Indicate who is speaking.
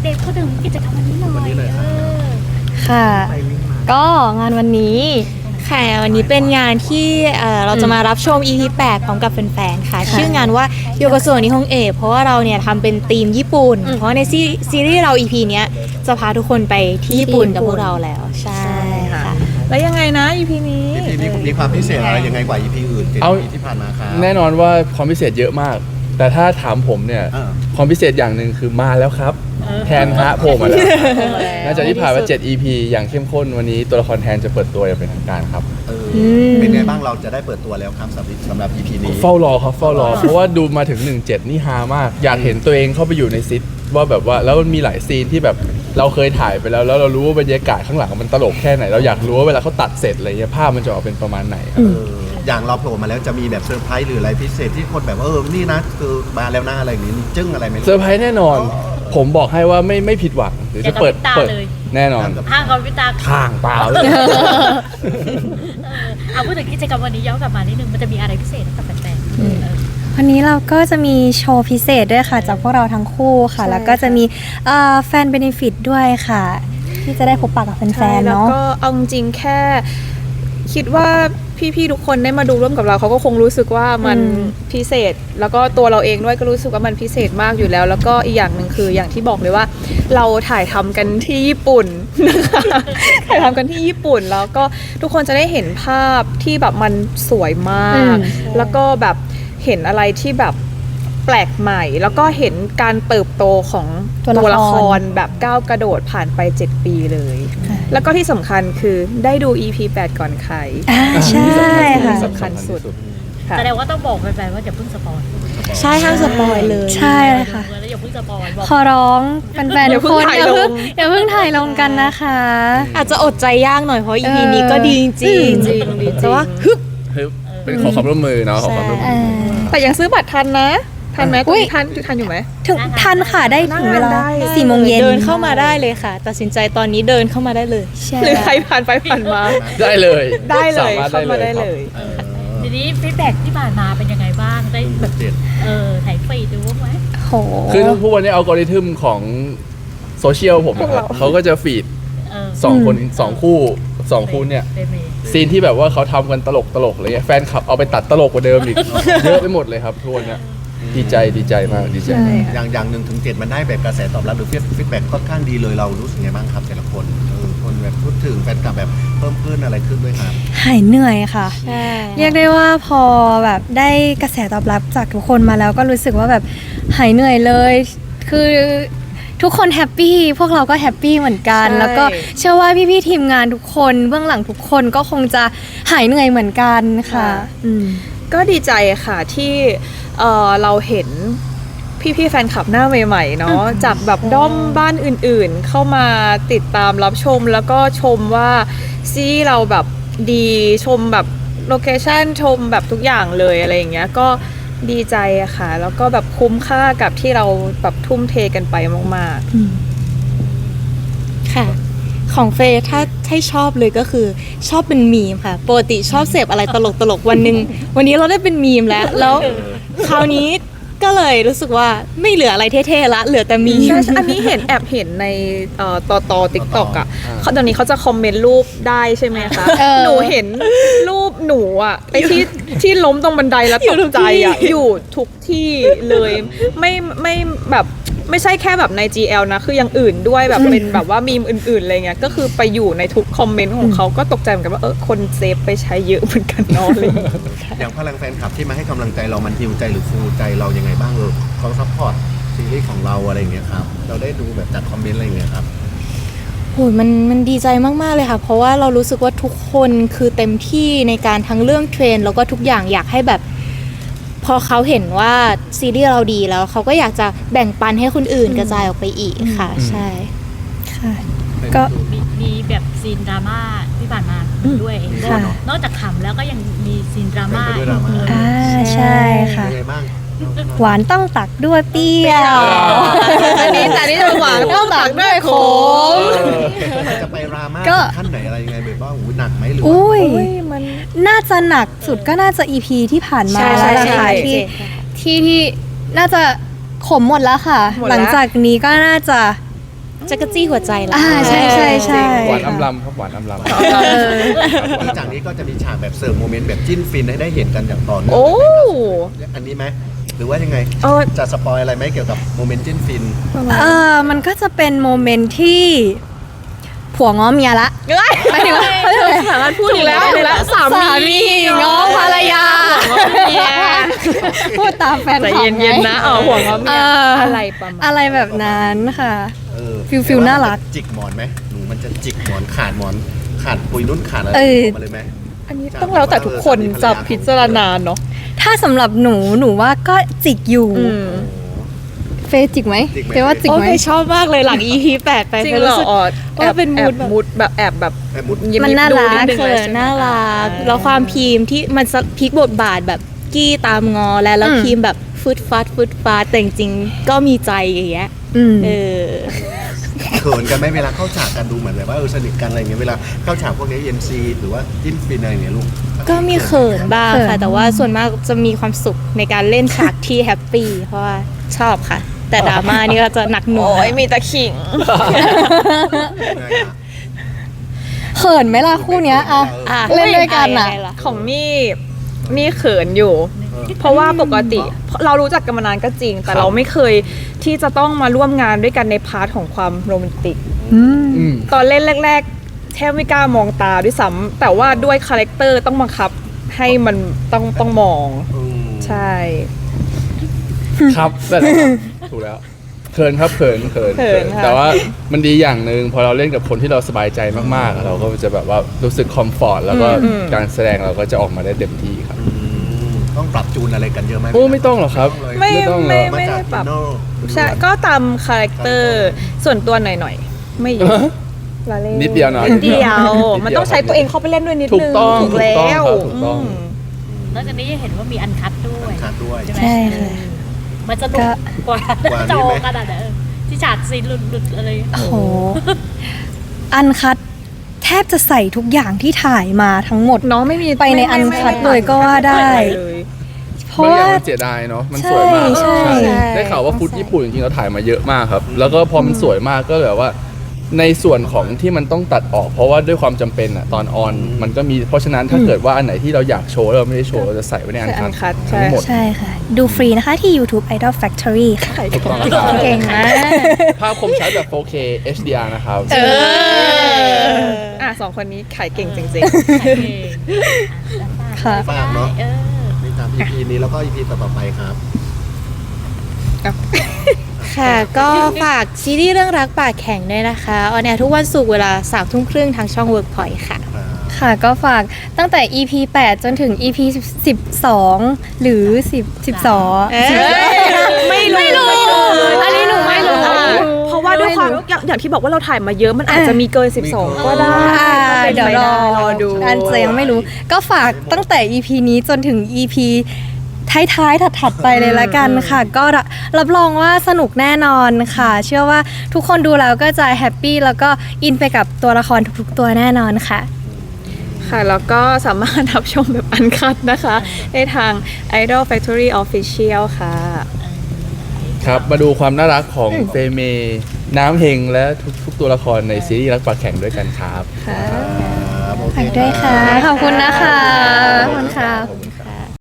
Speaker 1: เด็กๆพูดถึงกิจกรรมวันนี้หน่อย
Speaker 2: ค่ะก็งานวันนี้ค่ะวันนี้เป็นงานที่เราจะมารับชม EP 8 พร้อมกับแฟนๆค่ะชื่องานว่าโยโกโซนิฮงเอะเพราะว่าเราเนี่ยทำเป็นธีมญี่ปุ่นเพราะในซีรีส์เรา EP เนี้ยจะพาทุกคนไปที่ญี่ปุ่นกับพวกเราแล้วใช่ค่ะ
Speaker 3: แล้วยังไงนะ EP นี้
Speaker 4: EP นี้มีความพิเศษอะไรยังไงกว่า EP อื่น
Speaker 5: เอา
Speaker 4: ที่ผ่านมาครับ
Speaker 5: แน่นอนว่าความพิเศษเยอะมาก แต่ถ้าถามผมเนี่ยความพิเศษอย่างหนึ่งคือมาแล้วครับแทนฮะโผล่มาแล้วหลังจากที่ผ่านมา7 EP อย่างเข้มข้นวันนี้ตัวละครแทนจะเปิดตัวอย่างเป็นทางการครับ
Speaker 4: เป็นไงบ้างเราจะได้เปิดตัวแล้วครับสำหรับ EP นี้
Speaker 5: เฝ้ารอครับเฝ้ารอเพราะว่าดูมาถึง17นี่ฮามากอยากเห็นตัวเองเข้าไปอยู่ในซิทว่าแบบว่าแล้วมันมีหลายซีนที่แบบเราเคยถ่ายไปแล้วเรารู้ว่าบรรยากาศข้างหลังมันตลกแค่ไหนเราอยากรู้ว่าเวลาเขาตัดเสร็จอะไรเงี้ยภาพมันจะออกเป็นประมาณไหนครับ
Speaker 4: อย่างเราโผล่มาแล้วจะมีแบบเซอร์ไพรส์หรืออะไรพิเศษที่คนแบบนี่นะคือมาแล้วนะอะไรอย่างนี้มีจึ้งอะไรไหม
Speaker 5: เซอร์ไพรส์แน่นอนผมบอกให้ว่าไม่ผิดหวังหรือจะเปิดแน่นอน
Speaker 1: ห้างกับวิตา
Speaker 5: ข้างเปล่าเลย
Speaker 1: เอาพูดถึงกิจกรรมวันนี้ย้อนกลับมานิดนึงมันจะมีอะไรพิเศษกับแฟนๆ
Speaker 2: วันนี้เราก็จะมีโชว์พิเศษด้วยค่ะจากพวกเราทั้งคู่ค่ะแล้วก็จะมีแฟนเบเนฟิตด้วยค่ะที่จะได้พบปะกับแฟนๆเนาะ
Speaker 3: แล้วก็เอาจริงแค่คิดว่าพี่ๆทุกคนได้มาดูร่วมกับเราเขาก็คงรู้สึกว่ามันพิเศษแล้วก็ตัวเราเองด้วยก็รู้สึกว่ามันพิเศษมากอยู่แล้วแล้วก็อีกอย่างหนึ่งคืออย่างที่บอกเลยว่าเราถ่ายทำกันที่ญี่ปุ่นนะคะถ่ายทำกันที่ญี่ปุ่นแล้วก็ทุกคนจะได้เห็นภาพที่แบบมันสวยมากแล้วก็แบบเห็นอะไรที่แบบแปลกใหม่แล้วก็เห็นการเติบโตของตัวละครแบบก้าวกระโดดผ่านไป7 ปีเลยแล้วก็ที่สำคัญคือได้ดู EP 8 ก่อนใคร
Speaker 2: ใช่ค่ะ
Speaker 3: สำคัญสุด
Speaker 1: แสดงว่าต้องบอกแฟนๆว่าอย่าเพิ่งสปอย
Speaker 2: ใช่ห้ามสปอยเลยใช่ค่ะ
Speaker 1: แล้วอย่าเพิ่งสปอย
Speaker 2: ขอร้องแฟนๆทุกคนอย่าเพิ่งถ่ายลงกันนะคะอาจจะอดใจยากหน่อยเพราะ EP นี้ก็ดีจริงแต่ว่าฮึบ
Speaker 5: เป็นขอความร่วมมือเนาะขอความร่วมมือ
Speaker 3: แต่ยังซื้อบัตรทันนะทันไหมทันอยู่ไหม
Speaker 2: ถึงทันค่ะได้ถึงเวลา4 โมงเย็นเดินเข้ามาได้เลยค่ะตัดสินใจตอนนี้เดินเข้ามาได้เลย
Speaker 3: หรือใครผ่านไปผ่านมา
Speaker 5: ได้เลย
Speaker 3: เข้ามาได้เลย
Speaker 1: ทีนี้ฟีดแบ็กที่ผ่านมาเป็นยังไงบ้างได้แบบถ่ายฟีดดูไหม
Speaker 2: โห
Speaker 5: คือทุกวันนี้อัลกอริทึมของโซเชียลผมนะครับเขาก็จะฟีด2 คน2 คู่เนี่ยซีนที่แบบว่าเขาทำกันตลกอะไรเงี้ยแฟนคลับเอาไปตัดตลกกว่าเดิมอีกเยอะไปหมดเลยครับทุกวันเนี่ยดีใจมากดีใจ
Speaker 4: อย่าง1 ถึง 7มันได้แบบกระแสตอบรับหรือฟีดแบ็กค่อนข้างดีเลยเรารู้สึกไงบ้างครับแต่ละคนคนแบบพูดถึงแฟนคลับแบบเพิ่มขึ้นอะไรขึ้นด้วยครับ
Speaker 2: หายเหนื่อยค่ะเรียกได้ว่าพอแบบได้กระแสตอบรับจากทุกคนมาแล้วก็รู้สึกว่าแบบหายเหนื่อยเลยคือทุกคนแฮปปี้พวกเราก็แฮปปี้เหมือนกันแล้วก็เชื่อว่าพี่ๆทีมงานทุกคนเบื้องหลังทุกคนก็คงจะหายเหนื่อยเหมือนกันค่ะ
Speaker 3: ก็ดีใจค่ะที่เราเห็นพี่ๆแฟนคลับหน้าใหม่ๆเนาะจากแบบด้อมบ้านอื่นๆเข้ามาติดตามรับชมแล้วก็ชมว่าซีเราแบบดีชมแบบโลเคชั่นชมแบบทุกอย่างเลยอะไรอย่างเงี้ยก็ดีใจอะค่ะแล้วก็แบบคุ้มค่ากับที่เราแบบทุ่มเทกันไปมาก
Speaker 2: ๆค่ะของเฟย์ถ้าให้ชอบเลยก็คือชอบเป็นมีมค่ะปกติชอบเสพอะไรตลกวันนี้เราได้เป็นมีมแล้วคราวนี้ก็เลยรู้สึกว่าไม่เหลืออะไรเท่ๆละเหลือแต่มีม
Speaker 3: อันนี้แอบเห็นในต่อ TikTok อ่ะตอนนี้เขาจะคอมเมนต์รูปได้ใช่ไหมคะหนูเห็นรูปหนูอ่ะไอที่ล้มตรงบันไดแล้วตกใจอ่ะอยู่ทุกที่เลยไม่แบบไม่ใช่แค่แบบใน GL นะคืออย่างอื่นด้วยแบบเป็นแบบว่ามีมอื่นๆอะไรเงี้ยก็คือไปอยู่ในทุกคอมเมนต์ของเขาก็ตกใจเหมือนกันว่าคนเซฟไปใช้เยอะเหมือนกันเนาะเลย
Speaker 4: อย่างพลังแฟนคลับที่มาให้กำลังใจเรามันฮิวใจหรือฟูใจเรายังไงบ้างเขาซัพพอร์ตซีรีส์ของเราอะไรเงี้ยครับเราได้ดูแบบจากคอมเมนต์อะไรเงี้ยครับ
Speaker 2: โหมันดีใจมากๆเลยค่ะเพราะว่าเรารู้สึกว่าทุกคนคือเต็มที่ในการทั้งเรื่องเทรนแล้วก็ทุกอย่างอยากให้แบบพอเขาเห็นว่าซีรีส์เราดีแล้วเขาก็อยากจะแบ่งปันให้คนอื่นกระจายออกไปอีกค่ะใช่ค่ะก็
Speaker 1: มีแบบซีนดราม่าที่ผ่านมาด้วยนอกจากขำแล้วก็ยังมีซีนดราม่า
Speaker 2: ใช่ค่ะหวานต้องตักด้วยเปรี้ยว
Speaker 3: อันนี้จะหวานต้องตักด้วยขม
Speaker 4: จะไปราม่าขั้นไหนอะไรยังไงแบบว่าหนักไหมหรือ
Speaker 2: มันน่าจะหนักสุดก็น่าจะ EP ที่ผ่านมาแล้วล่ะค่ะที่น่าจะขมหมดแล้วค่ะหลังจากนี้ก็น่าจะจักรจี้หัวใจละ
Speaker 6: ใช่ใช่ใช่
Speaker 5: หวานอำลำครับหวานอำลำ
Speaker 4: หลังจากนี้ก็จะมีฉากแบบเสิร์ฟโมเมนต์แบบจิ้นฟินให้ได้เห็นกันอย่างต่อเนื่อง
Speaker 3: โอ้
Speaker 4: อันนี้ไหมหรือว่ายังไง
Speaker 3: เออ
Speaker 4: จะสปอยอะไรไหมเกี่ยวกับโมเมนต์จิ้นฟิน
Speaker 6: มันก็จะเป็นโมเมนต์ที่ผัวง้อเมียละหมายถึงว่า
Speaker 3: สามารถพูดอีกแล้วสา
Speaker 6: สามีง้อภรรยาพูดตามแฟน
Speaker 3: ใจ
Speaker 6: คลับ
Speaker 3: เย็นๆนะห่วงเขาเมีย
Speaker 6: อะ
Speaker 3: อะไรประมาณ
Speaker 6: อะไรแบบนั้นค่ะ
Speaker 4: เออ
Speaker 6: ฟิลน่ารัก
Speaker 4: จิกหมอนไหมหนูมันจะจิกหมอนขาดปุยนุ่นขาดอะไร
Speaker 6: เออ
Speaker 4: มาเลยไหม
Speaker 3: อันนี้ต้องแล้วแต่ทุกคนจะพิจารณาเนาะ
Speaker 6: ถ้าสำหรับหนูว่าก็จิกอยู่ เฟย์จิกไหม
Speaker 4: จิกไหม
Speaker 6: เฟย์ว่าจิก
Speaker 2: โอ้
Speaker 6: ไหม
Speaker 2: ยชอบมากเลยหลัง EP 8 ไป
Speaker 3: จริง
Speaker 2: ไป
Speaker 3: เหร
Speaker 2: รู้
Speaker 3: อ
Speaker 2: สึก
Speaker 3: แอบ
Speaker 2: ว่าเป็น
Speaker 3: แอบ
Speaker 2: mood แบบ
Speaker 3: มูดแบบแอบแบบ
Speaker 4: ไอ้มุด
Speaker 3: ยิ้ม
Speaker 6: มันน่า
Speaker 3: ดู
Speaker 6: รัก
Speaker 3: ดง
Speaker 2: เขิ
Speaker 3: เลย
Speaker 2: น
Speaker 3: ใช่ไหม
Speaker 2: น่ารักแล้วความพีมที่มันพลิกบทบาทแบบกี้ตามงอแล้วพีมแบบฟึดฟัดแต่จริงๆก็มีใจอย่างเงี้ย
Speaker 6: อืม
Speaker 2: เออ
Speaker 4: เขินกันไหมเวลาเข้าฉากกันดูเหมือนแบบว่าสนิทกันอะไรอย่างเงี้ยเวลาเข้าฉากพวกนี้ NC หรือว่าจิ้นฟินอะไรอย่างเงี้ยลูก
Speaker 2: ก็มีเขินบ้าง
Speaker 6: เขิ
Speaker 2: ค่ะ
Speaker 6: น
Speaker 2: แต่ว่าส่วนมากจะมีความสุขในการเล่นฉากที่แฮปปี้เพราะว่าชอบค่ะ แต่ดราม่านี่ก็จะหนักหน่วง
Speaker 3: โอ้ยมีแต่ขิง
Speaker 6: เขินไหมล่ะคู่เนี้ยอะ
Speaker 2: อ่ะ
Speaker 6: เล่นด้วยกันอะ
Speaker 2: ยังไงล่
Speaker 3: ของนี่เขินอยู่ เพราะว่าปกติเรารู้จักกันมานานก็จริง แต่เราไม่เคยที่จะต้องมาร่วมงานด้วยกันในพาร์ทของความโรแมนติก
Speaker 6: อืม
Speaker 5: อืม
Speaker 3: ตอนเล่นแรกๆแทบไม่กล้ามองตาด้วยซ้ำแต่ว่าด้วยคาแรคเตอร์ต้องบังคับให้มันต้องมอง ใช่
Speaker 5: ครับแต่ละถูกแล้วเขินครับเขิน
Speaker 3: เขินค่ะ
Speaker 5: แต่ว่ามันดีอย่างหนึ่งพอเราเล่นกับคนที่เราสบายใจมากๆ เราก็จะแบบว่ารู้สึกคอมฟอร์ตแล้วก็การแสดงเราก็จะออกมาได้เต็มที่ครับ
Speaker 4: ต้องปรับจูนอะไรกันเยอะไหม
Speaker 5: โอ้ไม่ต้องหรอกครับ
Speaker 3: ไม่
Speaker 5: ต้องหร
Speaker 3: ไม่
Speaker 5: อก
Speaker 3: ไม่ได้ปรับ
Speaker 4: มาจาก Inno
Speaker 3: ใช่ก็ตามคาแรคเตอร์ส่วนตัวหน่อยๆ ไม่เยอะละเล่
Speaker 5: นิดเดียวนะ
Speaker 3: นิดเดียว
Speaker 5: นิดเดียว
Speaker 3: มันต้องใช้ตัวเองเข้าไปเล่นด้วยนิด
Speaker 5: ถู
Speaker 3: นึ
Speaker 5: ก
Speaker 3: ง
Speaker 5: ต้อง
Speaker 3: ถูกแล้ว
Speaker 5: ถูกต้อง
Speaker 1: นอกจากนี้ยังเห็นว่ามีอันคัดด้วย
Speaker 4: ขาดด้วย
Speaker 1: ใช่ไหม
Speaker 6: ใช่ค่ะ
Speaker 1: มันจะนุกกว่า
Speaker 4: ว่านี่
Speaker 1: จอ
Speaker 4: ไหม
Speaker 1: ขนาดไหนที่ฉากซีนหลุดๆอะไร
Speaker 6: โอ้โห อันคัดแทบจะใส่ทุกอย่างที่ถ่ายมาทั้งหมด
Speaker 3: น้องไม่มี
Speaker 6: ไปในอันคัดเลยก็ว่าได้
Speaker 3: เลย
Speaker 6: เพราะ
Speaker 5: บางอ
Speaker 6: ว่า
Speaker 5: ย่างมันเสียดายเนาะมันสวยมาก
Speaker 6: ใช่
Speaker 2: ใช่
Speaker 5: ได้ข่าวว่าฟุตญี่ปุ่นจริงๆเราถ่ายมาเยอะมากครับ แล้วก็พอมันสวยมากก็แบบว่า ในส่วนของที่มันต้องตัดออก เพราะว่าด้วยความจำเป็นอะตอนออนมันก็มีเพราะฉะนั้นถ้าเกิดว่าอันไหนที่เราอยากโชว์แล้วเราไม่ได้โชว์เราจะใส่ไว้ในอัน
Speaker 3: ใส่อันคั
Speaker 5: คั
Speaker 3: ด
Speaker 5: ด
Speaker 3: ใช่
Speaker 5: ทั้งหมด
Speaker 6: ใช่ค่ะ ดูฟรีนะคะที่ YouTube Idol Factory ค่ะ
Speaker 5: ถูกต้องครับ
Speaker 6: เก่งมาก
Speaker 5: ภาพคมชัดแบบ 4K HDR นะครับ
Speaker 3: สองคนนี้ขายเก่งจริง
Speaker 6: ค่ะ
Speaker 4: ฝากเนาะ
Speaker 1: เออ
Speaker 4: นี่ตาม EP นี้แล้วก็ EP ต่อๆไปครับ
Speaker 2: ค่ะ ก็ฝากซีรีส์เรื่องรักปากแข็งด้วยนะคะออนแอร์ทุกวันศุกร์เวลา 3:30 ทางช่อง Workpoint ค่ะ
Speaker 6: ค่ะก็ฝากตั้งแต่ EP 8 จนถึง EP 12 หรือ 12
Speaker 2: ไม่รู้อันนี้หนูไม่รู้
Speaker 3: ๆ เพราะว่าด้วยความอย่างที่บอกว่าเราถ่ายมาเยอะมันอาจจะมีเกิน 12 ก็ได้
Speaker 6: เดี๋ยวรอ
Speaker 3: ดู
Speaker 6: อันจะยังไม่รู้ ก็ฝากตั้งแต่ EP นี้จนถึง EP ท้ายๆถัดๆไปเลยละกันค่ะ ก็รับรองว่าสนุกแน่นอนค่ะ เชื่อว่าทุกคนดูแล้วก็จะแฮปปี้แล้วก็อินไปกับตัวละครทุกๆตัวแน่นอนค่ะ
Speaker 3: ค่ะ แล้วก็สามารถรับชมแบบอันคัดนะคะได้ทาง Idol Factory Official ค่ะ
Speaker 5: ครับ มาดูความน่ารักของเฟเมน้ำเฮงและทุกตัวละครในซีรีส์รักปากแข็งด้วยกันครับ
Speaker 6: ฝากด้วยค่ะ ขอบคุณนะคะ ขอบคุณค่ะ